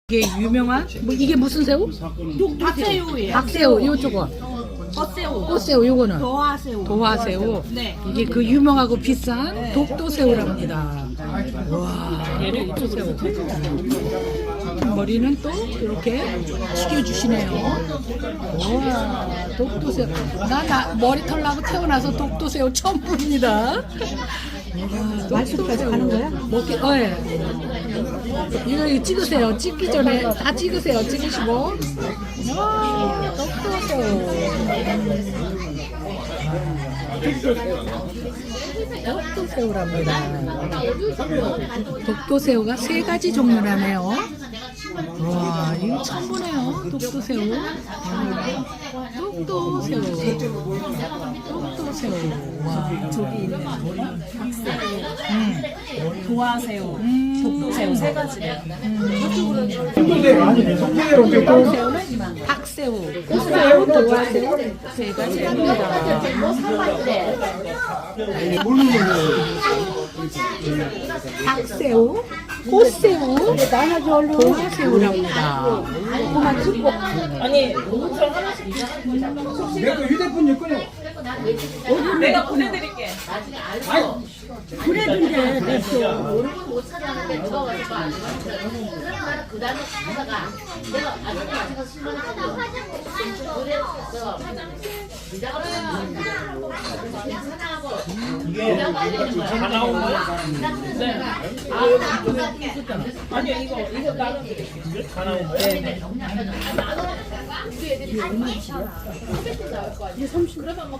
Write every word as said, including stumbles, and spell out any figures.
이게 유명한 뭐 이게 무슨 새우? 박새우예요. 박새우 요쪽은 꽃새우. 꽃새우 요거는 도화새우. 도화새우. 네. 이게 그 유명하고 비싼 독도새우랍니다. 와, 독도새우. 머리는 또 이렇게 숙여주시네요. 와, 독도새우. 나, 나 머리털 나고 태어나서 독도새우 처음 봅니다. 말씀까지 하는 거야? 먹기, 어, 예. 이거 찍으세요. 찍기 전에 다 찍으세요. 찍으시고. 와, 독도새우. 독도새우랍니다. 독도새우가 세 가지 종류라네요. 와, 이거 처음 보네요. 독도새우. 독도새우. 독도새우. 와, 저기 있는 박새우, 음. 도화새우, 음. 독도새우 세 가지래요. 독도새우는 박새우, 꽃새우, 도화새우 세 가지입니다. 박새우, 꽃새우, 도화새우랍니다. 아니, 내가 휴대폰 좀 끊어. 내가 보내드릴게. 그래준대 못 찾아가는데 누가 와서 안 그러면 그 다음에 찾아가 내가 아직도 마찬가지로 신문을 하고 그래서 네가 그냥 사랑하고 네가 빨리 되는 거야 다 나온 거야? 네. 아니요, 이거, 이거 나는 다 나온 거야? 네. 우리 애들이 다 많잖아. 삼십 대 나올 거 아니야?